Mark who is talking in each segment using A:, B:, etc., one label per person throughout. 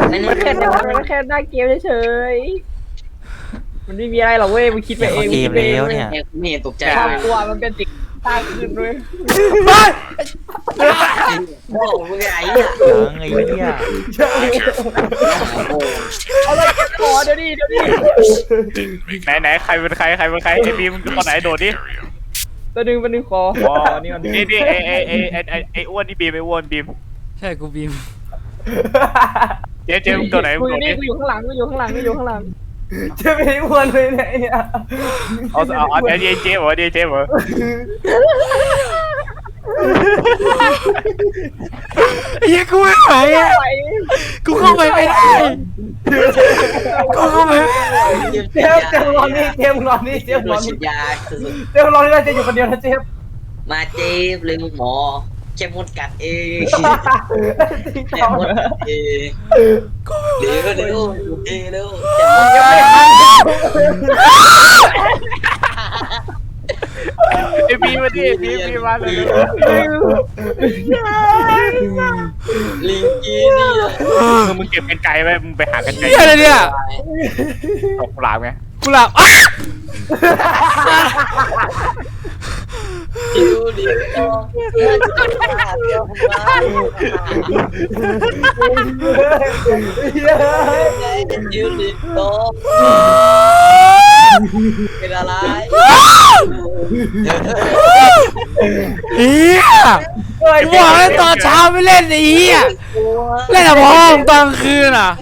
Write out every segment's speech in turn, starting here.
A: มันแค่หน้าเกมเฉยๆมันไม่มีอะไรหรอกเว้ยมึงคิดไปเอง
B: เกมแล้วเนี่ย
C: ไม่เห็นตกใจ
A: ความ
C: เลย
A: กลัวมันเป็นสิ่งสร้างขึ้นด้วย
C: โอ้มึงไง
B: ยังไงเนี่ย
A: เอาเลยขอเดี๋ยวนี้
D: ไหนใครเป็นใครไอ้บีมคนไหนโดดดิ
A: ตัวนึงขอนี่มัน
D: นี่ไอ้อ้วนนี่บีมไอ้อ้วนบีม
E: ใช่กูบีม
D: เจ๊มึงตัวไหนมึ
A: กู
D: ง
A: อ
D: โด
A: ยู่
D: ด
A: นี่
D: ดิ
A: กูอยู่ข้างหลัง
F: จะไม่อ้วนเลยเนี่ย
D: เอาเดี๋ยวเจ๊เหรอ
E: ไอ้เหี้ยกูไม่ไหวอ่ะกูเข้าไปไม่ได้กูเข้าไปไม่ได้
F: เจมรอนี่เจมรอนี่
C: เดี๋ยวฉีดยา
F: เจมรอนี่จะอยู่คนเดียวนะเจม
C: มาเจ็บเลยหมอแค่มดกัดเองแค่มดกัดเองเร็วเร็ว
D: ไอ้บีมมาดิบีมมาเลย
C: ลิงกี้นี่
D: มึงเก็บกันไกลไว้มึงไปหากันไกล
E: เหี้ยอะไรเนี่ย
D: ตกปลาไง
E: กูหลับอ้า
C: ดิวดิวดิวดิโตเป็นอะไร
E: เหี้ยกูบอกแล้วตอนเช้าไม่เล่นไอ้เหี้ยเล่นแต่พอตอนคืนอ่ะ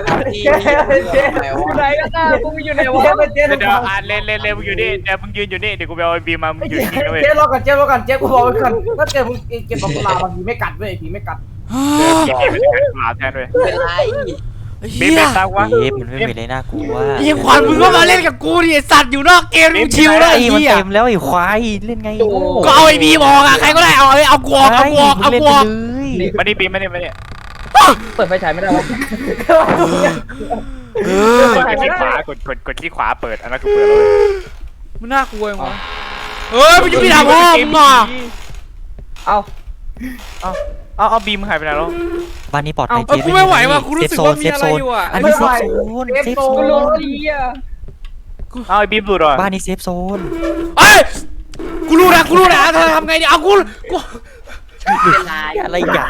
A: อยู่ไหนกันนะกูอยู่ไหนวะ
D: เดี๋ยวเล่นมึงอยู่นี่เดี๋ยวมึงยืนอยู่นี่เดี๋ยวกูไปเอาไอ้บีมมามึงอยู่นี่นะเว้ย
F: เจมรอก่อนเจมรอก่อนเจมกูบอกไว้ก่อนถ้าเจมมึงเก็บปลาบางทีไม่กัดเว้ยผีไม่กัด
D: เก็บไปกันปลาแทนเว้ย
C: เป็นไร
D: บี
E: เหี้
D: ม
E: ย
D: เป็นตาวะ
B: เกมมันไม่มีอะไรน่ากลัว
E: ไอ้ขวัญมึงก็มาเล่นกับกูดิไอ้สัตว์อยู่นอกเกมมึงชิวแล้ว
B: ไอ้
E: ไอ้
B: มัน
E: เหี้ย
B: เต็มแล้วไอ้ควายเล่นไง
E: ก็เอาไอ้บีมออกอะใครก็ได้เอากูออกเอากูออกเอา
B: เล่น
E: กู
B: ไป
E: ออก
B: เลย
D: มาดิบีมมาดิ
A: เปิดไฟฉายไม่ได้วะ
E: เออก
D: ดที่ขวากดที่ขวาเปิดอันนั้นคือเปิดเลย
E: มันน่ากลัวจังวะเฮ้ยมันจะไปทำห้องมึงอ่ะ
D: เอาบีมหายไปไหนแล้ว
B: บ้านนี้ปลอดภัย
E: เออกูไม่ไหวว่ะกูรู้สึกว่ามีอะไรอยู่อ่ะ
B: อันนี้เซฟโซนเซฟโซ
A: กูรู้
B: น
A: ดีอ่ะ
D: เอาไอ้บีมหลุดอ่ะ
B: บ้านนี้เซฟโซน
E: เอ้ยกูรู้นะเธอทำไงดีเอากู
C: เป็นไร
B: อะไรอย่าง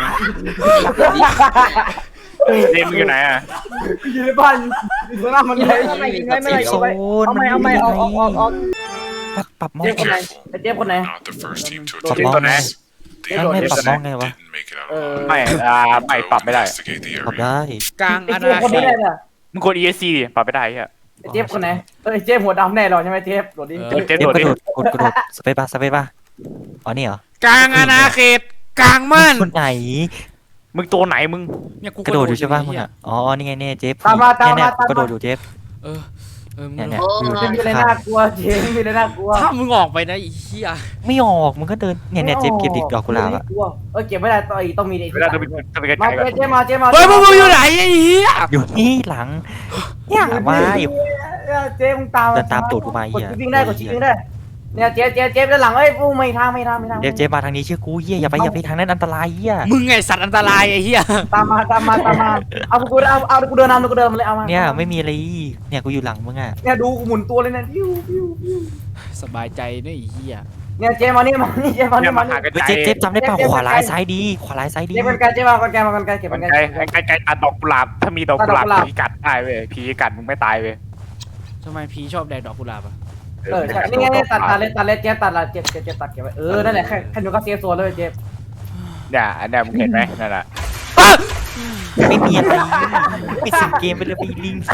D: เจมมึงอยู่ไหนอ่ะ
F: อยู่ในบ้านอยู่ข้างหน้ามันเลย
B: เซฟโซน
A: เอาไม่ออก
B: ปรับมอง
F: เจมคนไหนเจมคนไหน
G: Not the first team to
B: ปรับ
G: attempt
B: มองไง
G: this. They
B: ไม่ปรับมองไงวะ
G: didn't make it out
F: เออ
D: ไม่ปรับไม่ได้
G: investigate the
B: ปรับ
G: area.
B: ได้
E: กลาง
F: ไอ้
E: อา
F: เจม
E: ณา
F: คน
E: เข
F: นี้
E: ต
F: ได้เนี่ย
D: มึงกด ESC ดิปรับไม่ได้อ่ะ
F: เจมคนไหนเจมหัวดำแน่หรอใช่ไหมเจมโดดดิ
D: เจม
B: เจ็บ
D: โด
B: ก
D: ด
B: ระ
D: ดิ
B: โดดกระโดดสเปซป่ะอ๋อนี่เหรอก
E: ลางอาณาเขตกลางม่าน
B: คนไหน
D: มึงตัวไหนมึง
E: เนี่ยกู
B: กระโดดอยู่ใช่ป่ะมึงอ่ะอ๋อนี่ไงเนี่ยเจฟ
F: ตามมา
B: เนี่ยกระโดดอยู่เจฟ
E: เออมึง
B: เนี่ย
F: มีอะไรน่ากลัวเจมมีอะไรน่ากลัว
E: ถ้ามึงออกไปนะไอ้เหี้ย
B: ไม่ออกมึงก็เดินเนี่ยเจฟเก็บดิดอกกุหลาบอ่ะ
F: เก็บไม่ได้ต้องมี
D: เวลาจะไปกัน
F: มา
D: ไกลกัน
F: เจมา
E: เฮ้ยมึงอยู่ไหนไอ้เหี้ย
B: อยู่นี่หลังเนี่ยมาอยู่
F: เจมตามกดวิ่งได้กดชิงได้เนี่ยเจด้านหลังเอ้ยปูไม่ทาง
B: เจฟมาทางนี้เชื่อกูเหี้ยอย่าไปทางนั้นอันตรายเหี้ย
E: มึงไงสัตว์อันตรายไอ้เหี้ย
F: ตามมาเอากูเดินนำกูเดินมาเลยเอามา
B: เนี่ยไม่มีอะไรเนี่ยกูอยู่หลังมึงอ่ะ
F: เนี่ยดูกูหมุนตัวเลยนะพิว
E: สบายใจนะไอ้เหี้ย
F: เนี่ยเจมานี่เจมา
D: เนี่ย
F: นี่
D: มา
F: มา
D: หากัน
B: เฮ้ย
D: ไกล
B: เจฟจำได้ป่ะขวาร้ายซ้ายดีขวาร้ายซ้ายดี
F: เจมาเจมากันเก็บ
D: มั
F: กัน น
D: ไกลตัดดอกกุหลาบถ้ามีดอกกุหลาบผีกัดได้เว้ยผีกัดมึงไม่ตายเว้ย
E: ทำไมพีชอบแดกดอกกุหลาบอ่ะ
F: ใช่นี่ไงตัดเลยเจตัดละเจตัดเก็บไว้นั่นแหละแค่หนูก็เซฟโซนเลยเจ
D: เนี่ยอันนี้มึงเห็นไหมนั่นแหละ
B: ไม่มีอะไรปิดสิงเกมไปเลยไปลิง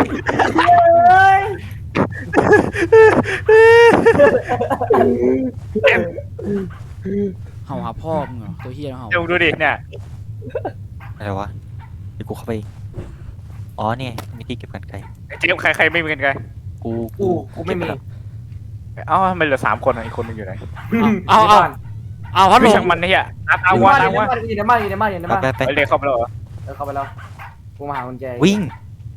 E: เห่าหาพ่อมึงเหรอตัวเหี้ยเห่า
D: เดี๋ยวดูดิเนี่ย
B: อะไรวะเดี๋ยวกูเข้าไปอ๋อเนี่ยมีที่เก็บกันไกล
D: เจมใครไม่มีกันไกล
F: กูไม่มี
D: เอ้าทำไมเหลือ3 คนอีกคนนึงอยู่ไหน
E: เอาพัดล
D: ไม่
E: ม
D: ช่างมันเนี่ยตาม
F: อยู่
D: ว่า
F: ในบ้านอยู่ในบ้าน
B: ไป
D: ไปเรียกเข้าไปแล้วเหรอ
F: เข้าไปแล้วกูมาหากุญแจ
B: วิ่ง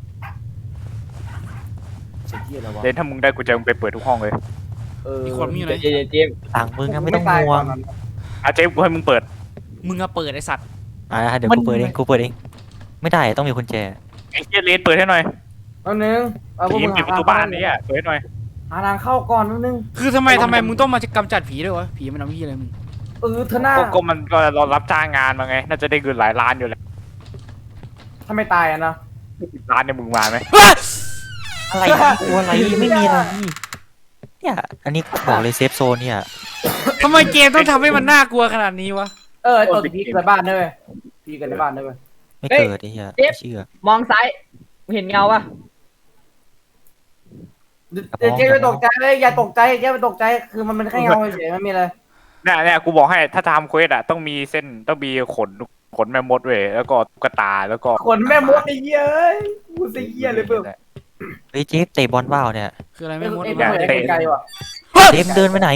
F: เสียที่อะไรวะ
D: เดนถ้ามึงได้กูจะมึงไปเปิดทุกห้องเลย
E: อีกคนมึงอยู่ไหน
A: เจม
B: หลังมึงอะไม่ต้องห่วง
D: เจมกูให้มึงเปิด
E: มึงอะเปิดไอ้สัตว์
B: เดี๋ยวกูเปิดเองไม่ได้ต้องมีกุญแจ
D: ไอ้เหี้ยเลนเปิดให้หน่อย
F: แป๊บนึงพวก
D: ผี
F: มึง
D: ปิดประตูบ้านนี่อ่ะเปิดให้หน่อย
F: หาทางเข้าก่อนแป๊บนึง
E: คือทำไมมึงต้องมากำจัดผีด้วยวะผีมันทำพี่อะไรมึง
F: เธอหน้า
D: ก็มันก็เรารับจ้างงานมาไงน่าจะได้เงินหลายล้านอยู่แล้ว
F: ถ้าไม่ตายอะนะ
D: 10 ล้านเนี่ยมึงมาไหม
B: อะไรกลัวอะไรไม่มีอะไรเนี่ยอันนี้บอกเลยเซฟโซนเนี่ย
E: ทำไมเกมต้องทำให้มันน่ากลัวขนาดนี้วะ
F: ไอ้ตัวผีเกิดบ้านด้วยเว้ยผีเกิดในบ้านด้วยเว้ย
B: ไม่เกิดไอ้เหี้ยไม่เชื่อ
A: มองซ้ายมึงเห็นเงาปะ
F: เจ๊ไม่ตกใจเลยอย่าตกใจเจ๊ไม่ตกใจคือมันเป็นแค่เงาเฉยๆไม่มีอะไร
D: เนี่ยกูบอกให้ถ้าทำเควสอ่ะต้องมีเส้นต้องมีขนแม่มดเว้ยแล้วก็ตุ๊กตาแล้วก็
F: ขนแม่มดไอ้เหี้ยเอ้ยกูเสียเลยเพิ่ม
B: เฮ้ยเจฟเตะบอลว่าวเนี่ย
E: คืออะไรไม่มด
F: ไอ้เพิ่มไอ้ไกลว่ะ
B: เจฟเดินไปไหน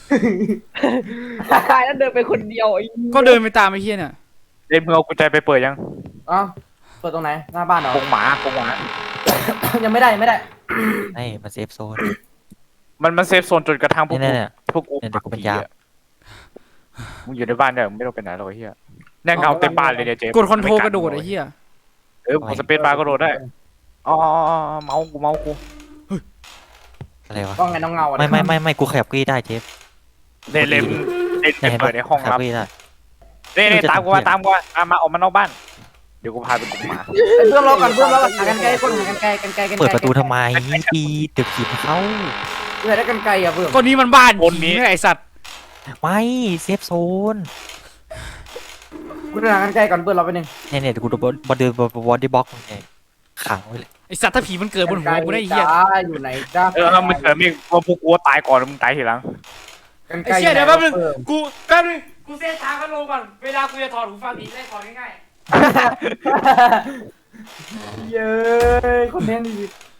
A: ตายแล้วเดินไปคนเดียวไอ้
E: ก็เดินไปตามไอ้เหี้ยเนี่ย
D: เล่นมึงเอากุญแจไปเปิดยัง
F: อ๋อเปิดตรงไหนหน้าบ้านเหรอก
D: รงหมากรงหมา
F: ยังไม่ได้
B: ไม่มาเซฟโซน
D: มันเซฟโซนจนกระทั่งพวก
B: เนี่ย
D: พวกกู
B: เนี่ยเดี๋ยวกูเป็นยาม
D: มึงอยู่ในบ้านเนี่ยมึงไม่ต้องไปไหนหรอกไอ้เหี้ยแน่เงาเต็มบ้านเลยเนี่ยเจ๊
E: กดคอนโทรลกระโดดไอ้เหี้ย
D: กดสเปซบาร์กระโดดได้อ๋อเมากู
B: อะไรวะ
F: ว่าไงน้องเงา
B: ไม่กูขยับกี้ได้เจฟ
D: เล่นเปิดในห้อง
B: ขยั
D: รั
B: บบ กี้ได้
D: นี่ตามกูมาออกมานอกบ้านเดี๋ยวกูพาไปกลุ่มหมา
F: เพิ่มรอก่อนหากันไกลก้นหากันไกลกันไกลกันไกล
B: เปิดประตูทำไมปีตึกขีดเขา
F: เพื่อได้กันไกลอ่ะเพิ่ม
E: ก็นี้มันบ้านผีไม่ไอสัตว์
B: ไม่เซฟโซน
F: กูหากันไกลก่อนเพิ่มเราไปหนึ่ง
B: เนี่ยกูดูบอลเดินบอลดี้บ็อกเนี่ยขังไว้เลย
E: ไอสัตว์ถ้าผีมันเกิดบนหัวกูได้ไอ้เหี้ย
F: อยู่ไหนจ้า
D: มันมีว่าพวกกูตายก่อนมึงตายทีหลัง
F: กันไก
E: ไอ้
F: ล
E: เหี้ยเดี๋ยวแป๊บนึงกูเส้นทางกันลงก่อนเวลากูจะถอดหูฟังผีได้ถอดง่าย
F: เย้คนเน้นดี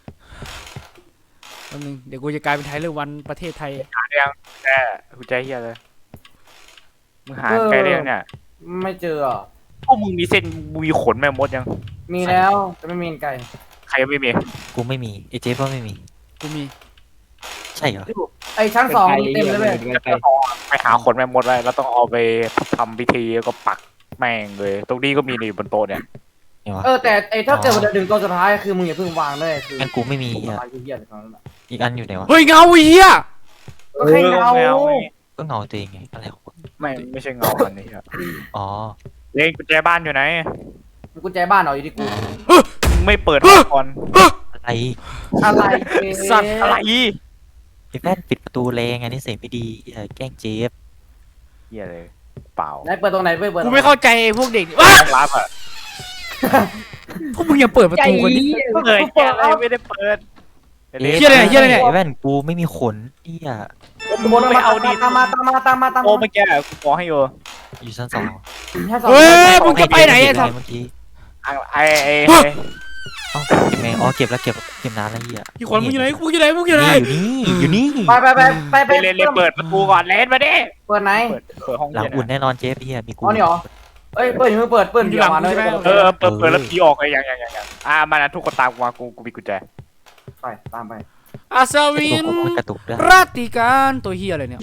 E: ๆแป๊บนึงเดี๋ยวกูจะกลายเป็นไทเลอร์วันประเทศไทย
D: หาเรียงแกกูใจเฮียเลยมึงหาแกเรียงเนี่ย
F: ไม่เจอ
D: พวกมึงมีเส้นมีขนแม่มดยัง
F: มีแล้วแต่ไม่มีกันไกล
D: ใครไม่มี
B: กูไม่มีไอเจฟก็ไม่มี
E: กูมี
B: ใช่เหรอ
F: ไอ้ชั้นสองเต็มเลยเว้ย
D: ไปหาขนแม่มดไว้แล้วต้องเอาไปทำพิธีแล้วก็ปักแม่งเลยตรงนี้ก็มีนี่บนโต๊ะเนี่ย
B: เนี่ยวะ
F: แต่ไอ้ถ้าเกิดมันดึงตัวสุดท้ายคือมึงอย่าเพิ่งวางด้วยคือ
B: งั้นกูไม่มี
F: ตัว
B: อ่ะ
F: สุดท้ายคือเหี้ยเลยตอนนั้น
B: อีกอันอยู่ไหนวะ
E: เฮ้ยเงาไอ้เหี้ย
F: ก็แค่เงา
B: ก็เงาตัวเองไงอะไรของกู
D: ไม่ใช่เงาอันนี้
B: อ๋อ
D: เล่นกุญแจบ้านอยู่ไหน
F: กุญแจบ้านเอาอยู่ที่กู
D: มึงไม่เปิดห้องก่อน
B: อะไร
F: อะไร
E: สัตว์
D: อะไร
B: ไอ้แว่นปิดประตูแรงไงนี่เสียงไม่ดีแกล้งเจฟ
D: เฮียเลยเปล่า
F: ไหนเปิดตรงไหนเปิด
E: กูไม่เข้าใจไอ้พวกเด็กว้า
D: ต้องรับอ่ะ
E: พวกมึงอย่าเปิดประตูกันดิ
D: เปิดแกอะไรไม่ได้เปิด
E: เหี้ยอะไรเนี่ยเหี้ยอะไรเนี่ย
B: ไอ้แว่นกูไม่มีขนเนี่ย
F: บนไปเอาดีตามมา
D: โอ้เมื่อกี้กูขอให้อยู่
B: อยู่ชั้นสอง
E: เฮ้ยมึงจะไปไหนไอ้สัตว์
B: เมื่อกี้
D: ไอ้
B: เอ้าเก็บไงอ๋อเก็บแล้วเก็บนานแล้วเหี้ย
E: พี่ขวัญมึงอยู่ไหนมึงอยู่ไหนมึงอยู่ไหน
B: อยู่นี่
F: ไป
D: เล่นเปิดประตูก่อนเล่นมาดิ
F: เปิดไหน
D: เปิดห้อง
B: หลัง
D: เย็น
B: อุ่นแน่นอนเจฟเฮียมีกู
F: อ๋อนี่หรอเอ้ยเปิดมือเปิด
E: อยู่หลังกูใช่ไหม
D: เปิดแล้วผีออกไอ้ยังมานะทุกคนตามมากูมีกุญแจ
F: ไปตามไป
E: อาซา
B: ไอ้
E: วิ
B: ตัวน ผมมันกระตุกด้วย
E: ราติการตัวเฮียอะไรเนี่ย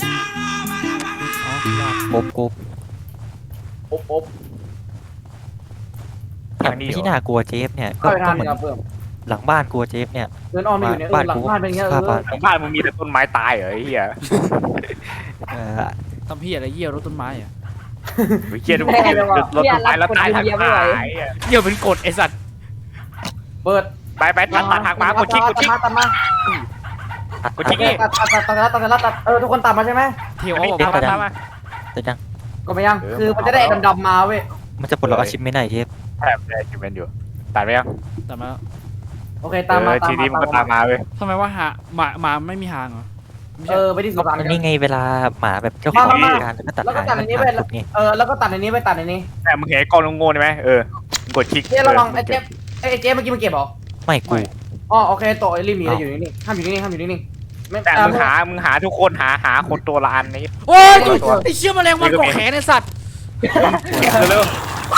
B: กบ
F: อบ
B: ที่น่ากลัวเจฟเนี่ยก็
F: เข้าไปทาง
B: เหมื
F: นี้
B: อน
F: ครับเพิ่ม
B: หลังบ้านกลัวเจฟเนี่ย
F: เดินอ้อมไปอยู่เนี่ยหลังบ้านเป็นเงี้ย
D: บ้านมึงมีแต่ต้นไม้ตายเหรอไอ้เหี้ย
E: ทำเฮียอะไรเหี้ยรถต้นไม้อะ
D: เหี้ยดูรถต้นไม้แล้วตายทางไหน
E: เหี้ยเป็นกฎไอสัตว์
F: เปิด
D: ไปตัดทางมากดชิก
F: ตัดมา
D: กดชิกนี่
F: ตัดทุกคนตัดมาใช่ไหม
E: เที่ยวออก
D: ตาม
E: มา
D: มา
B: แต่ยัง
F: ก็ไม่ยังคือมันจะได้ดำมาเว้ย
B: มันจะปลดล็อกอาชีพไม่ได้เจฟ
D: แทบได้ชิมเป็นอยู่ตัดไปยัง
E: แต่มา
F: โอเคตามมา
D: ทีนี้มันก็ตามมาเว้ย
E: ทำไมว่าหมาไม่มีหางเหรอ
F: ไปที่สุสาน
B: มันนี่ไงเวลาหมาแบบเจ้าของการแล้วก็ตัดหางมันตัดไง
F: แล้วก็ตัดในนี้ไปตัดในนี้
D: แต่มึงเห็นกล้องโง่ใช่ไหมกดคลิก
F: เจ๊ระวังไอ้เจ๊เมื่อกี้มันเก็บหรอ
B: ไม่กู
F: อ๋อโอเคโตริมหนีอยู่นี่ห้ามอยู่นี่ห้ามอยู่นี่ไม่
D: แต่มึงหาทุกคนหาคนตัวละอันนี้
E: โอ้ยไอเชี่ยแมลงวันเกาะแขนไอสัตว์
D: เร็ว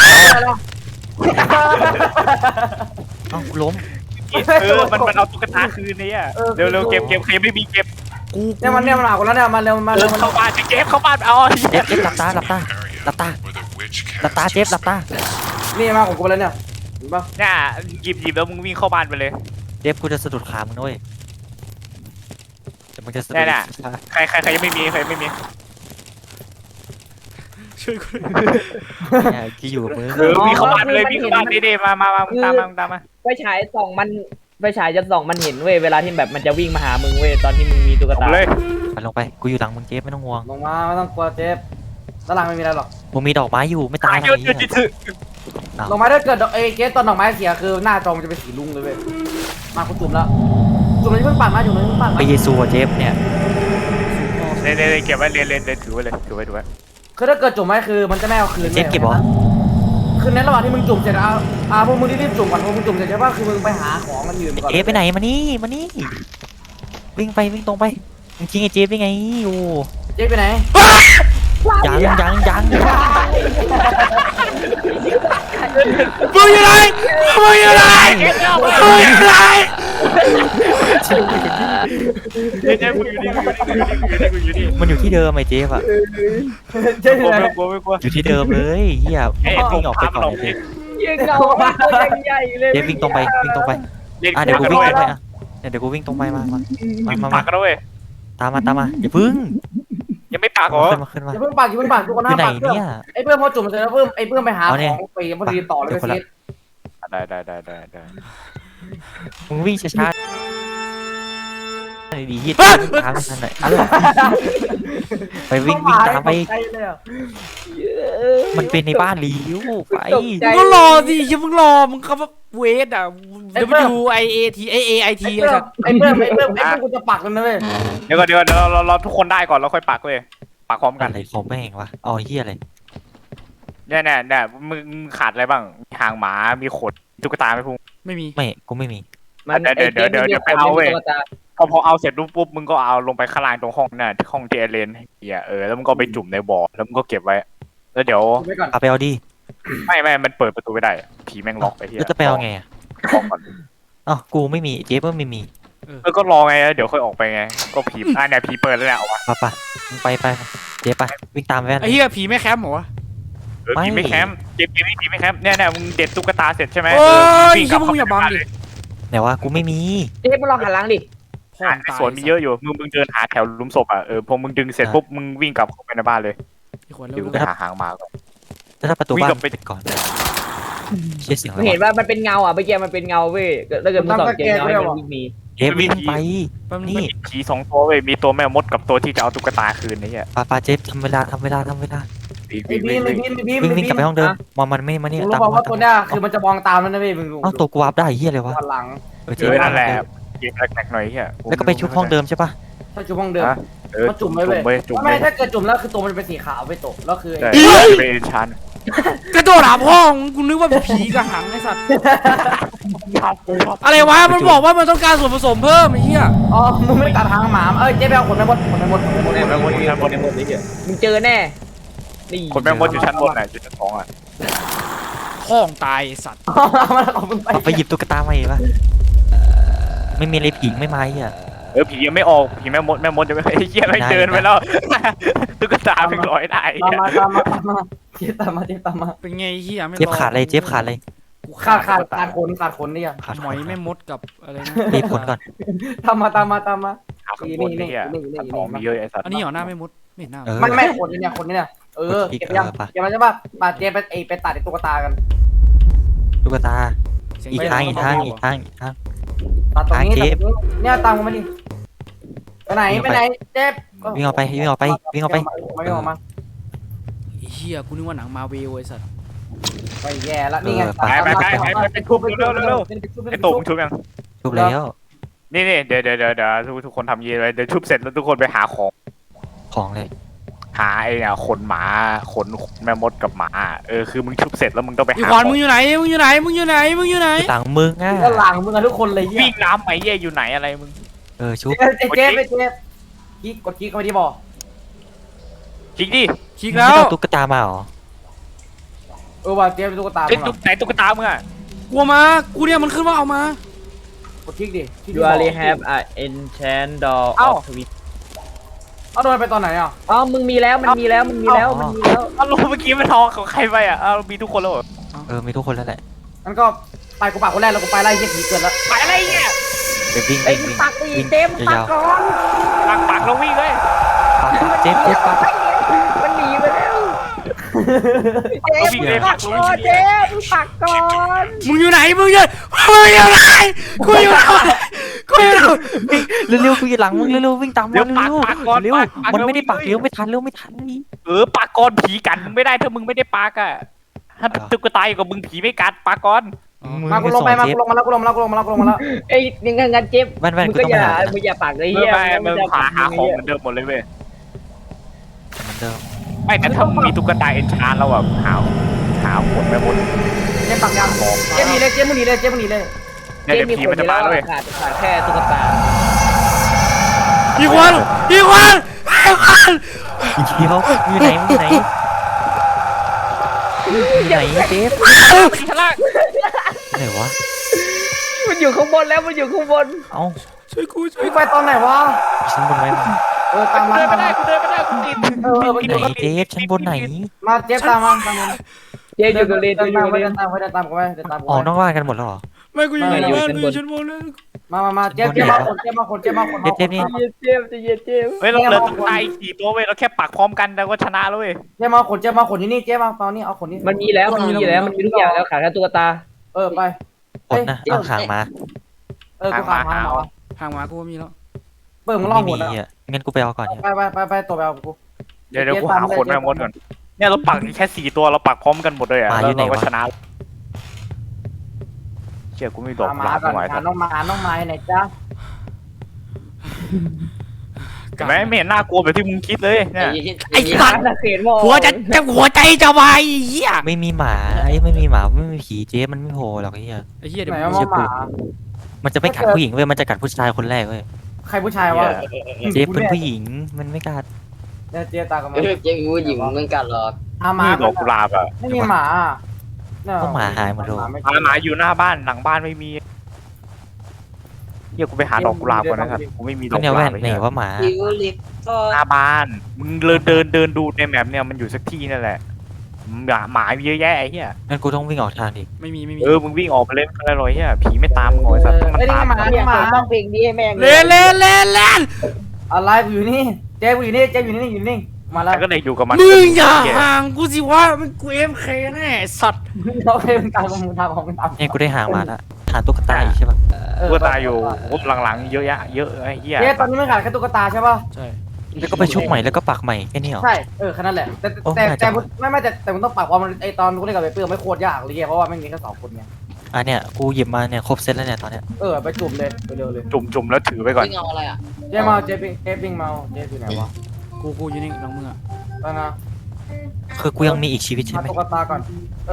B: เอ้าล้ม
D: มันเอาตุ๊กตาคืนนี่เร็วเก็บใครไม่มีเก็บ
F: เนี่ยมันหาคนแล้วเนี่ยมาเร็วมาเร็ว
D: เข้าบ้านเก็บเข้าบ้านเอา
B: เจฟหลับตาเจฟหลับตา
F: นี่มาของกูแล้วเนี่ยป่ะ
D: เนี่ยหยิบแล้วมึงวิ่งเข้าบ้านไปเลย
B: เจฟกูจะสะดุดขามึงด้วยแต่มึงจะสะดุด
D: เนี่ย ใครยังไม่มีใครไม่มี
E: ช่วยกู
B: เนี่ยที่อยู่กับมึง
D: วิ่งเข้าบ้านไปเลยวิ่งเข้าบ้านดิมามึงตามมา
A: ไฟฉายส่องมันไฟฉายจะส่องมันเห็นเว้ยเวลาที่แบบมันจะวิ่งมาหามึงเว้ยตอนที่มึงมีตุ๊ก
D: เอา
A: ตา
D: เลย
B: ไปลงไปกูอยู่หลังมึงเจฟไม่ต้องห่วง
F: ลงมาไม่ต้องกลัวเจฟด้านหลังไม่มีอะไรหรอก
B: มึงมีดอกไม้อยู่ไม่ตายหร
D: เย
B: อก
D: อะ
B: ไอ้เหี้ย
D: จิต
F: ดอกไม้ถ้าเกิดเจฟตอนดอกไม้เสียคือหน้าจอมันจะเป็นสีลุงเลยเว้ยมาคุณจุ่มแล้วจุ่มเลยเพิ่งปั่นมาจุ่มเลยเพิ่งปั่น
B: ไป
F: มา
B: เยซูอะเจฟเนี่ย
D: เลยเก็บไว้เลยถือไว้เลยถือไว้
F: คือถ้าเกิดจุ่มไว้คือมันจะไม่เอาคืน
B: เจฟเก็บเหรอ
F: คือในระหว่างที่มึงจุ่มเสร็จพวกมึงรีบจุ่มก่อนพวกมึงจุ่มเสร็จใช่ป่ะคือมึงไปหาของมันยืมก่อน
B: เจฟไปไหนมานี่วิ่งตรงไปมึงทิ้งไอ้เจฟได้ไงโอ้
F: เจฟไปไหน
B: ยัง
E: มึงอยู่ไหนมึงอยู่ไหนมึงอยู่ไหน
D: เนี่ยกูอยู่นี่
B: มันอยู่ที่เดิมไอ้เจฟอะ
F: เจฟไปไหน
D: ไม่กลัว
B: อยู่ที่เดิมเลยเฮียวิ่งออกไปก่อนเลย
A: ยืนเงาตัวใหญ่เลย
B: เจฟวิ่งตรงไปอ่ะเดี๋ยวกูวิ่งตรงไปอ่ะเดี๋ยวกูวิ่งตรงไปมา
D: ปากกันด้วย
B: ตามมาอย่าพึ่ง
D: ยังไม่ปากเหรอ
B: ขึ้นมา
F: อย่าเพิ่งปั่นทุกคน
B: อ
F: ห้า
B: ยู่ไหน
F: ปั่นเพื่อน
B: เนี่ย
F: ไอ้เพื่อนพอจุ่มเสร็จแล้วเพิ่มไอ้เพื่อนไปหา
B: เอาเนี่ย
F: ของไปพอดีต่อเลยไปซีด
D: ได้
B: มึงวิ่งช้าๆดีๆตามไม่ทันหน่อยอะไรไปวิ่งตามไปมันเป็นในบ้านลีวไป
E: มึงก็รอสิอย่ามึงรอมึงคำว่าเวทอ่ะ WIAT AIT
F: ไอ้เพื่อนกูจะปักกันนะเว้ย
D: เดี๋ยวเราทุกคนได้ก่อนแล้วค่อยปักเลยปักพร้อมกัน
B: อะไรของแม่งวะอ๋อเฮียอะไร
D: เนี่ยมึงขาดอะไรบ้างหางหมามีขนตุ๊กตาไม่พุ่ง
E: ไม่มี
B: ไม่กูไม่มี
D: ไปเอาเว้ยพอเอาเสร็จปุ๊บมึงก็เอาลงไปข้างล่างตรงห้องน่ะที่ห้องเจเลนแล้วมึงก็ไปจุ่มในบ่อแล้วมึงก็เก็บไว้แล้วเดี๋ยว
F: ไปก่อน
B: เอาไปเอาดิ
D: ไม่มันเปิดประตูไม่ได้ผีแม่งล็อกไปที่
B: แล้วจะไปเอาไงอ่ะ
D: ก่อน
B: อ๋อกูไม่มีเจฟก็ไม่มี
D: ก็รอไงเดี๋ยวค่อยออกไปไงก็ผีเนี่ยผีเปิดแล้วเนี่ยเอาวะ
B: ป่ะมึงไปเจฟไปวิ่งตามแว่น
E: ไอ้เหี้ยผีไม่แคมป์เหรอวะ
D: ผีไม่แคมป์เก็บผีไม่แคมป์เนี่ยมึงเด็ดตุ๊กตาเสร็จใช่ไหม
E: โอ้ย
D: วิ่งก
E: ชิ
D: ลั
E: บบ มึงอย่าบังดิ
B: ไหนวะกูไม่มี
A: เจ๊มึงลองหันหลังดิ
E: พ่อ
D: ในสวนมีเยอะอยู่มึงเดินหาแถวลุมศพพอมึงดึงเสร็จปุ๊บมึงวิ่งกลับเข้าไปในบ้านเลย
E: ไอ้ขวดแล้
D: เดี๋ยว
E: ว
D: ไปหาหางหมาก่อน
B: แล้วถ้าประตู
D: วิ่ง
B: บ้าน
D: กลับไป
B: ปิดก่อนเชี่ยเสียงอะไร
A: มึงเห็น
B: วะ
A: ว่ามันเป็นเงาอ่ะเมื่อกี้มันเป็นเงาเว้ยถ้าเกิดมึงส่องเจอเงาให้มันวิ่งหนี
B: เจฟวิ่งไป
E: แป๊บนึง
B: นี่
D: ผีสองตัวเว้ยมีตัวแม่มดกับตัวที่จะเอาตุ๊กตาคืนนี่
B: ปาเจฟทำเวลา
F: ไอ้บีม
B: วิ่งกลับไปห้องเดิมมันไม่มานี่
F: มึงรู้
B: ตาม
F: ป่าวว่าตัวเนี้ยคือมันจะมองตามแล้วนะเว้ยมึง
B: เอ้าตัวกูวาร์ปได้เฮียอะไรวะ
F: หลัง
B: เจ
D: นั่นแหละเกมแรกๆหน่อย
B: แล้วก็ไปชุบห้องเดิมใช่ปะ
F: ถ้าจุ่มห้องเดิม
D: ก็จุ่มเลยจุ่ม
F: ไม่ถ้าเกิดจุ่มแล้วคือตัวมันเป็นสีขาวไปตกแล้วคือ
D: ได้เป็นชั้น
E: กระโดดหาพ่อมึงกูนึกว่าเป็นผีกระหังไอ้สัตว์อะไรวะมันบอกว่ามันต้องการส่วนผสมเพิ่มไอ้เหี้ย
F: อ๋อมึงไม่ตัดทางหมาเจ๊ไปเอาขนไปหมด
A: มึงเจอแน่นี่
D: คนแม่มดอยู่ชั้นบนอยู่ชั้น2
E: พ่องตายไอ้สัตว์
F: มันเอามึงไป
B: ไปหยิบตุ๊กตามาอีกปะไม่มีอะไรผีไม่มาอ่ะ
D: ผียังไม่ออกผีแม่มดจะไม่เหี้ยไม่เดินไปแล้วตุ๊กตาเพิ่งลอยได้
F: ตามมาเจ๊ตามมา
E: เป็นไงไอ้เหี้ยไม่รอ
B: เจ็บขาดเลยเจ็บขาดเลย
E: กู
F: ขาดขนนี่ยัง
B: ขาด
E: หมอยไม่มดกับอะไรนะ
B: รีบผลก่อน
F: ตามมา
D: หาข้างบนนี่ชั้น2มีเยอะไอ้สัตว์
E: อันนี้เหรอหน้าไม่มดไม่เห็นหน้า
F: ไม่ขนนี่เนี่ยเก็บยังเก็บมันใช่ป่ะมาเจ๊ไปตัดไอ้ตุ๊กตากัน
B: ตุ๊กตา
E: เสียง
B: อีก
E: เหี้ย
B: ทางอีกทาง
F: ตัดตรงนี้เนี่ยตามกูมาดิไปไหนเจ๊
B: วิ่งออกไป
F: ไม่ออกมา
E: ไอ้เหี้ยกูนึกว่าหนังมาเวลไอ้สัตว์
F: ไปแย่แล้วนี่ไง
D: ไปทุบเร็วไอ้ตุ่มชุบยัง
B: ทุบแล้ว
D: นี่เดี๋ยวทุกคนทำยีเลยเดี๋ยวชุบเสร็จแล้วทุกคนไปหาของ
B: เลย
D: หาไอ้เนี่ยขนหมาขนแม่มดกับหมาคือมึงชุบเสร็จแล้วมึงต้องไป
E: อี
D: หา
E: ขวานมึงอยู่ไหนมึงอยู่ไหนมึงอยู่ไหนมึงอยู่ไหน
B: ต่างมึงอ่ะ
F: ก็หลังมึงทุกคนเลย
D: วิ่งน้ำไหมเย่อยู่ไหนอะไรมึง
B: ชุบ
F: เจ๊กดกิ๊กเข้าไปที่บ่อ
D: จริงดิ
E: คลิกแล้ว
B: ตุ๊กตามาหรอ
F: ว่าเจ๊เป็นตุ๊กตา
D: ไอ้ไหนตุ๊กตามึงอ่ะ
E: กลัวมากูเนี่ยมันขึ้นว่าเอามาก
F: ดกิ๊กดิ
A: ยูอารีแฮปอ่ะ enchant door of twist
F: เอาโดนไปตอนไหนอ่ะ
A: อ๋อมึงมีแล้วมันมีแล้ว
D: เอารู้เมื่อกี้มันทองของใครไปอ่ะเอามีทุกคนแล้ว
B: มีทุกคนแล้วแหละ
F: งั้นก็ไปกูปากคนแรกแล้วกูไปไล่เหี้ยผีเกิดแล้ว
D: ไปอะไรเนี่ย
B: เจฟวิ่ง
A: ไอ้
B: วิ่งวิ่ง
A: ปักตี
B: วิ่ง
A: เต็มปัก
B: ยาว
A: ก่อน
D: ปักแล้ววิ่งเลย
B: ๆปักเจฟปัก
A: มันหนีไปแล้วเจ
D: แล้ว
A: ม
D: วิ่งเลย
A: ปั
D: ปั
A: ก
D: ก
A: ก่อนเจมปักก่อน
E: มึงอยู่ไหนมึงอยู่ไหนกูอยู่ไหนกูอยู่ไหน
B: เร็วๆกูอยู่หลังมึงเร็วๆวิ่งตามมา
D: เดี๋ยวปัก
B: เร็ว
D: ปักก่อน
B: ๆเร็ว
D: ปัก
B: มันไม่ได้ปัก
D: แล้ว
B: เร็วไม่ทันเร็วไม่ทันนี่
D: ปักก่อนผีกัดมึงไม่ได้ถ้ามึงไม่ได้ปักอ่ะถ้าตุ๊กตาอยู่กับมึงผีไม่กัดปักก่อน
F: มากูลงไปมากูลงมาแล้วกูลงมาแล้วกูลงมาแล้วกูลงมาแล้ว
A: ไอ้ยังงั้นเจม
B: แว่น
A: มึง
B: กู
A: ก็
B: ต้อง
A: อย่า
B: ไปหา
A: มึงอย่าปักเลย
D: เมื่
A: เฮีย
D: มึงหาของเหมือนเดิมหมดเลยเว้ย
B: เหมือนเดิม
D: ไม่แต่ถ้ามึงมีตุ๊กตาเอนชานแล้วอ่ะหาหมดไปหมด
F: เจ๊ปักยางเจ๊หนีเลยเจ๊มึงหนีเลยเจ๊มึงหนีเลย
D: เนี่ยเดี๋ยวผีมันจะมาแล้วเว้ย
A: ขาดแค่ตุ๊กตา
E: อีกวันอีกวันอีกวัน
B: เดี๋ยวอยู่ไหนมึงอยู่ไหนไหนเจฟ
D: ไปที่ชั้นล่าง
B: ไหนวะ
A: มันอยู่ข้างบนแล้วมันอยู่ข้างบน
B: เอ้า
E: ช่วยกูช่วย
F: พี่ไปตอนไหนวะ
B: ชั้นบนไว้มา
F: ตามมา
D: เดินไม่ได้กูเดินไม่ได้กูติด
B: ไหนเจฟชั้นบนไหน
F: มาเจ๊ตามมาตามมา
A: เจมอยู่กับเลน
F: เดิน
A: อยู่
F: ตาม
A: กับ
F: ไป
A: เล
F: เดิ
A: น
F: นตามไปเดินตามกูไปเดินตามกู
B: ออกนอกบ้านกันหมดแล้วเหรอ
E: ไม่กูอยู่ในบ้านกูอยู่ชั้นบนแล้ว
F: มาเจ๊มาคนเจ๊มาคนเจ๊มาคน
B: เจฟนี่
A: เจมจะเย็นเจม
D: เฮ้ยเราเหลือตุ๊กตาอีก4ตัวเว้ยเราแค่ปักพร้อมกันเราก็ชนะแล้วเว้ย
F: เจ๊มาคนนี่เจ๊มาตอนนี้เอาคนนี้
A: มันมีแล้วมันมีแล้วมันมีทุกอย่างแล้วขาดแค่ตุ๊กตา
F: ไป
B: คนนะเอาหางมา
F: กูขาดมา
E: ห่างหมากูมีแล้ว
F: เปิดมึงล่อ
B: ไม่
F: หม
B: มี
F: ดอ่ะ
B: อ่ะงั้นกูไปเอาก่อนเนี่ย
F: ไปตัวไปเอากู
D: เดี๋ยวกูหาคนมาหมดก่อนเนี่ยเราปักแค่4ตัวเราปักพร้อมกันหมดเลยอ่ะแล้วเราก็ชนะเชื่อกูไม่ดอก
F: มา
D: หลาบ
F: ก่อน
D: ไม่ไหว
F: น้องมาไหนจ้า
D: เห็นไหมไม่เห็นน่ากลัวแบบที่มึงคิดเลยเนี่ย
E: ไอ้สัตว์
A: เขียนมอง
E: หัวใจจะวายเหี้ย
B: ไม่มีหมาไอ้ไม่มีหมาไม่มีผีเจฟมันไม่โผล่หรอกไอ้เหี้ย
E: ไอ้เหี้ยเดี๋ย
F: ไหน
E: ว
F: ว่าหมา
B: มันจะไม่กัดผู้หญิงเว้ยมันจะกัดผู้ชายคนแรกเว้ย
F: ใครผู้ชายวะ
B: เจฟเป็นผู้หญิงมันไม่กัด
F: เนี่ยเจ๊ตากับมัน
C: เจ๊ผู้หญิงเหมือนกันหรอก
F: หมา
D: นี่ดอกกุหลาบอ่ะ
F: ไม่มีหมา
D: หมาอยู่หน้าบ้านหลังบ้านไม่มีเดี๋ยวกูไปหาดอกกุหลาบก่อนนะครับกูไม่มีด
B: ก็
D: อก
B: เนี่ย
D: กุห
B: แว่
D: ลาบ
B: นไหนว่าหมา
C: ทิวลิปก็
D: หน้าบ้านมึงเดินดูในแมปเนี่ยมันอยู่สักที่นั่นแหละหมาเยอะแยะไอ้เหี้ย
B: งั้นกูต้องวิ่งออกทางดิ
E: ไม่มี
D: มึงวิ่งออกไปเล่นอะไรหรอเหี้ยผีไม่ตามมึงหน่อยสัตว์มันตาม
A: เนี่ยต้องเพลงนี้ให้แม่ง
E: เล่น
F: อะไรอยู่นี่เจ๊อยู่นี่อยู่นี่มาแล้ว
D: แต่ก็เลยอยู่กับมัน
E: มึงอย่าห่างกูสิวะมันกูเอ็มเคแน่สัตว์
F: เราเคยเป็นการมึงทำของมึงทำ
B: เนี่ยกูได้หางมาละหาตุ๊กตาอีกใช่ปะ
D: กูตายอยู่หลังๆเยอะแยะเยอะไอ้เหี้ย
F: เจ๊ตอนนี้ไม่ขาดแค่ตุ๊กตาใช่ป่ะ
E: ใช่
B: แล้วก็ไปชุบใหม่แล้วก็ปักใหม่แค่นี้เหรอ
F: ใช่แค่นั้นแหละแต่มึงต้องปากความมันไอตอนกูเล่นกับไปเปื้อไม่โคตรยากเลยเพราะว่าไม่มีแค่2คนไง
B: อ่ะเนี่ยกูหยิบมาเนี่ยครบเซตแล้วเนี่ยตอนเนี้ย
F: ไปจุ่มเลยไปเร็วเลย
D: จุ่มแล้วถือไปก่อน
C: วิ่งเอาอะไรอ่ะ
F: เจ๊มาเจ๊ปิ้งมาเจ๊อยู่ไหนวะ
E: กูอยู่นี่น้องมึงอ่ะ
F: ตอนนะ
B: คือกูยังมีอีกชีวิตใช่ไหม
F: ตุ๊กตาก่อน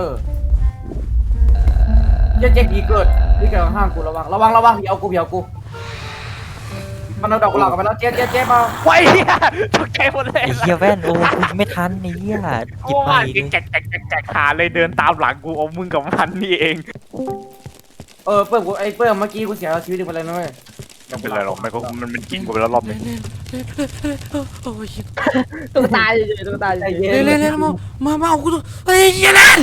F: เจ๊ผีเกิดข้างกูระวังผีเอากูมันเอาดอกกุหลาบกันไปแล้วเจ๊มา
D: ไว้เหี้ยตกใจหมดเลย
B: ไอ้เหี้ยแว่นโอ้กูไม่ทันไอ้เหี้ยหยิบมาอีก
D: แจกหาเลยเดินตามหลังกูเอามึงกับมันนี่เอง
F: เปิ้มกูไอ้เปิ้มเมื่อกี้กูเสียชีวิตไปเลยนะเว้ย
D: ไม่เป็นไรหรอกมันกินกูไปแล้วรอบนึง
E: โอ้ย
A: ตุ๊กตาเฉยๆตุ๊กตาเฉย
E: เล่นมาเอากูตัวเฮ้ยเหี้ยเล่น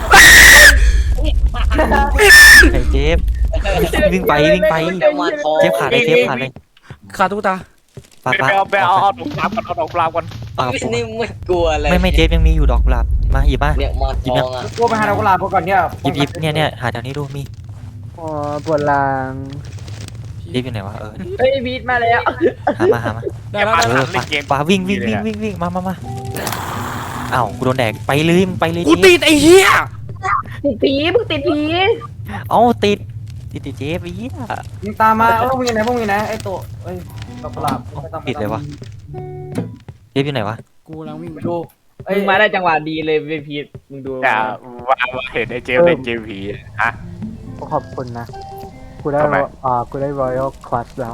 B: ไอ้เจฟวิ่งไป
C: มาทอง
B: เจฟขาดเลยเจฟขาดเลย
E: ขาตุ๊กตา
B: ปา
D: ไปเอาดอกกุหลาบก่อนเอาดอกกุหลาบก่อน
B: ปา
C: นี่ไม่กลัวอะไร
B: ไม่เจฟยังมีอยู่ดอกกุหลาบมาหยิบมา
C: เนี่ยมาทองอ่ะ
F: กูไปหาดอกกุหลาบก่อนเนี่ย
B: หยิบเนี่ยหาแถวนี้ดูมี
A: อ๋อปวดหลัง
B: เจฟอยู่ไหนวะ
A: เฮ้ยบีทมาแล้ว
B: หามา
E: ได้แล้ว
B: ปาวิ่งมาอ้าวกูโดนแดกไปเลยมึงไปเลย
E: กูติดไอ้เหี้ย
A: ติดผีมึงติดผี
B: เอ้าติดเจฟไอ้เหี้ย
F: มึงตามมาพวกมึงอยู่ไหนไอ้ตัวดอกกุหลาบ
B: ปิดเลยวะเจฟอยู่ไหนวะ
E: กูกำลังวิ่งไป
F: ดู
A: มึงมาได้จังหวะดีเลยเวพีมึงดู
D: แต่ว่าเห็นไอ้เจมเล่นเกมผีฮะ
G: ขอบคุณนะ กูได้
D: ทำไม
G: กูได้ Royal Class แล้ว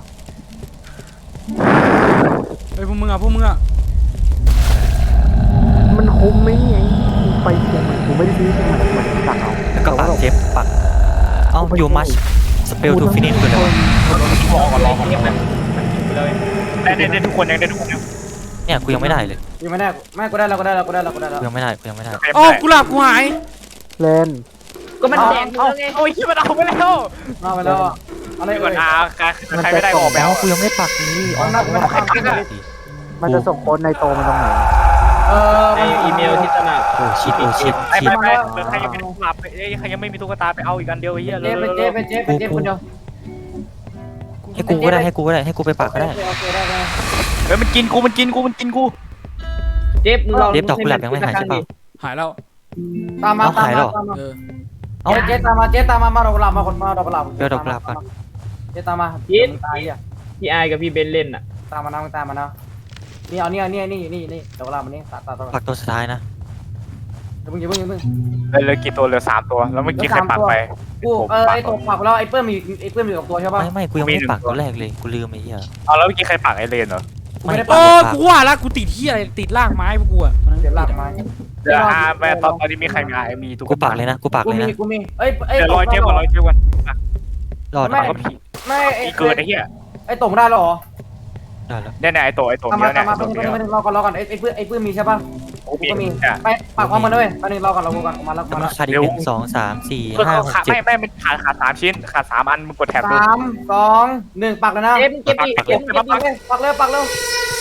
E: เฮ้ยพวกมึงอ่ะ
G: มันคุ้มไหมไงกูไปเชียงใหม่กูไม่ได้ซื้อเชียงใหม่มันสั่งเอา
B: แล้วก็ปักเจฟปักเอ้าอยู่มัชสเปลทูฟินิชคืออะไรวะ
D: รอก่อนมันเลยได้ทุกคนยังได้ทุกคนยัง
B: เนี่ยกูยังไม่ได้เลย
F: ยังไม่ได้ไม่กูได้แล้ว
B: กูยังไม่ได้
E: อ๋อกูหลับกูหาย
G: เล่น
A: ก็มันแดงมึงแล้วไง
D: เอาไอ้ที่มันเอาไปแล้ว
F: มาไปแล้วอะอะไร
D: ไม่
F: เอ่
D: ก่อน
F: ย
D: ใครไม่ได้ออกไป
B: อ๋
D: เอา
B: อกูยังไม่ได้ปักนี่อ๋อ
F: เอาหน้ากูไม่ได้ปัก
G: มันจะส่งโค้ดในโตมันตรงไหน
A: ไออีเมลที่สมัคร
B: โอ้ชิดโอ้ชิด
D: ไอ้
B: ชิด
D: ไม่ใครยังไม่หลับใครยังไม่มีตุ๊กตาไปเอาอีกอันเดียวไอ้เหี้ย
F: เจ๊เป็นเจ๊คนเดียว
B: ให้กูก็ได้ให้กูไปปักก็ได้
F: โอเคได้
D: เฮ้ยมันกินกู
A: เจ็บมึงลอง
B: เล็บดอกกุหลาบยังไม่หายใช่เปล่า
E: หายแล้ว
F: ตามมา
E: เออ
B: เอ้า
F: เจ๊ตามมาดอกกุหลาบมาคนมาดอกกุหลาบ
B: เดี๋ยวดอกกุหลาบก่อน
F: เจ๊ตามมาตายอ่ะ
A: พี่ไอกับพี่เบนเล่นอ่ะ
F: ตามมานะตามมานะนี่เอานี่ดอกกุหลาบมันนี่ตา
B: ปักตัวสุดท้ายนะ
F: อย่าเพิ่ง
D: เหลือกี่ตัวเหลือ3ตัวแล้วเมื่อกี้ใครปักไป
F: กูไอ้ตัวปักแล้วไอ้เปิ้มมีกับตัวใช่ป่ะ
B: ไม่กูยังไม่ได้ปักตัวแรกเลยกูลืมไอ้เหี้ย
D: เอาแล้วเมื่อกี้ใครปักไอเลนเหรอ
B: ไม่
E: โอ้กูว่าแล้วกูติดที่อะไรติดล่างไม้พวกกูอะ
F: เดี๋ยวหลังมา
D: เดี๋ยวแม่ตอนนี้มีใครมีตุ๊
B: กูปักเลยนะกูปักเลยนะ
F: กูมีเอ้ย
D: เดี๋ยวรอเจ็บก่อน
B: รอด
F: ไม่
B: นะ
D: ก็ผี
F: ไม่
D: เกิดไอ้เหี้ย
F: ไอ้ตกได้หรอ
B: ได้แล้ว
D: เนี่ยไอ้ตัว
F: ตาม
D: เนี้
F: มาย
D: เนี่ย
F: ตามมา
D: ตัว
F: เพิ่ง
D: เนี้ย
F: รอก่อนไอ้ปื้มมีใช่ป่ะกูก็มีไปปักความมันด้วยไปหนึ่งรอก่อนเรากันมาแล้ว
B: แล้ว
F: มา
B: มั
F: แล้
B: น
F: ว
B: ขาดอีก1 2 3 4
D: ก็
B: 5 6 7
D: ไม่มันขาด3ชิ้นขาด3อันมึงกดแท็บดู
F: 3 2 1ปักเลยนะ
A: เจ็บเจ็บอีกเจ็บ
F: ปักเร็ว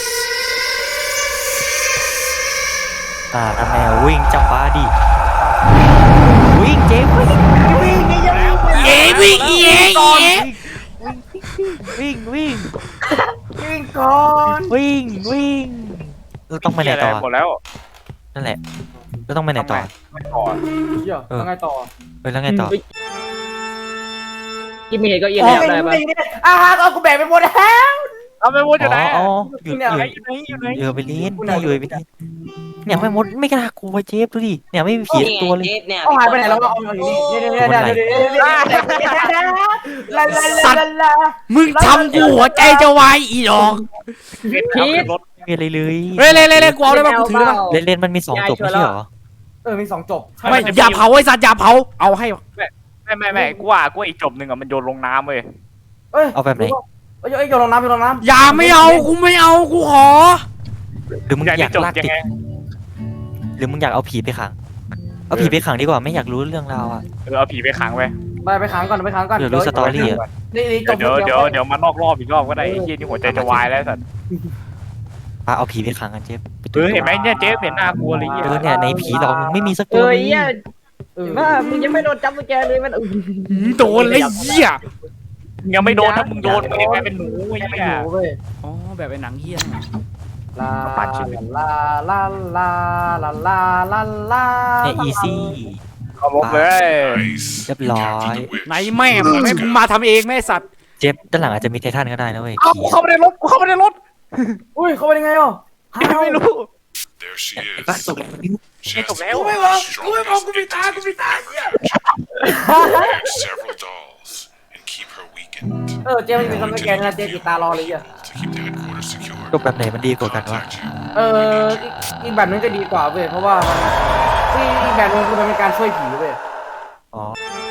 B: แมววิ่งจังบ้าดิวิ่งเจ๊วิ่ง
E: เย้วิ่งเย้
B: วิ่ง
F: วิ่งก่อน
B: วิ่งเราต้องไปไหนต่อ
D: หมดแล้ว
B: นั่นแหละเราต้องไปไหนต่อ
D: ไม่ต่อ
F: เหี้ยยังไงต่อ
B: แล้วไงต่อ
A: กินไม่เห็นก็เอียงแล้วได้ปะ
F: เอากูแบกไปหมดแล้ว
D: เอาไม่พูดอยู่ไหน
B: อ๋ออยู่ไปเล่นอยู่ไปเล่นเนี่ยไม่มดไม่กล้ากลัวเจ๊ดูดิเนี่ยไม่มีผีตัวเลย
C: เนี่ย
F: เอาหายไปไหนแล้วเอาอยู่นี่ลา
E: มึงทำกูหัวใจจะวายอีดอก
D: รถ
B: ไม่มีอะไรเลย
E: เฮ้ยเล่นกูเอาได้ป่ะกูถือได้ป่ะ
B: เล่นมันมี2 จบไม่ใช่เหรอ
F: มี2จบ
E: ไม่อย่าเผาไอ้สัตว์อย่าเผาเอาให้
D: ไม่กูว่าอีกจบหนึ่งอ่ะมันโยนลงน้ำเว้ย
B: เอาแบบไหน
F: เอ้ยโยนลงน้ำ
E: อย่าไม่เอากูไม่เอากูขอ
B: หรือมึงอยาก
D: จบ
B: ลาก
D: ยัง
B: ติด
D: ไง
B: หรือมึงอยากเอาผีไปขังเอาผีไปขังดีกว่าไม่อยากรู้เรื่องราวอ่ะ
D: เอาผีไปขังไว้
F: ไปขังก่อน
B: เดี๋ยวรู้สตอรี่อ่ะ
F: นี่จบ
D: เดี๋ยวมานอกรอบอีกรอบก็ได้ไอ้เหี้ยนี่หัวใจจะวายแล้วสัตว์
B: เอาผีไปขังกันเจ๊
D: เห็นไหมเนี่ยเจ๊เห็นหน้ากลัวเลย
B: เนี่ยในผีหลอกมึงไม่มีสักตั
A: เอ้
B: วย เลย
A: เนี่ยว่ามึงยังไม่โดนจับกุญแจเลยมัน
E: โดนเลยเหี้ย
D: ยังไม่โดนถ้ามึงโดนมึงยังเป็นหนูไอ้
F: ไม่
D: เหี้ย
F: รู้เว้ย
E: อ๋อแบบไอ้หนังเหี้ย
F: ลาลาลาลาลาลาลาลา
B: เนี่ยอีซี่
D: เอาลบเลย
B: เรียบร้อย
E: ไหนแม่มึงให้มึงมาทำเองแม่สัตว์
B: เจ๊ด้านหลังอาจจะมีไททันก็ได้นะเว้ย
D: เอากูเข้าไปในรถ
F: อุ้ยเขาไปยังไงอ่ะ
D: ไม่รู้
H: There she
B: บ้า
H: is.
B: สุด
H: She has
D: Come
H: the
D: on,
H: world's strongest Activate several dolls and keep her weakened.
F: เจ๊มันมีคนไม่แกนะเจ๊ติดตารอเลยอ่ะ
H: To keep the headquarters secure.
B: จบแบบไหนมันดีกว่ากันวะ
H: Contact you.
F: อีกแบบนึงก็ดีกว่าเว้ยเพราะว่าอีกแบบนึงคือมันเป็นการช่วยผีเว้ย
B: อ๋อ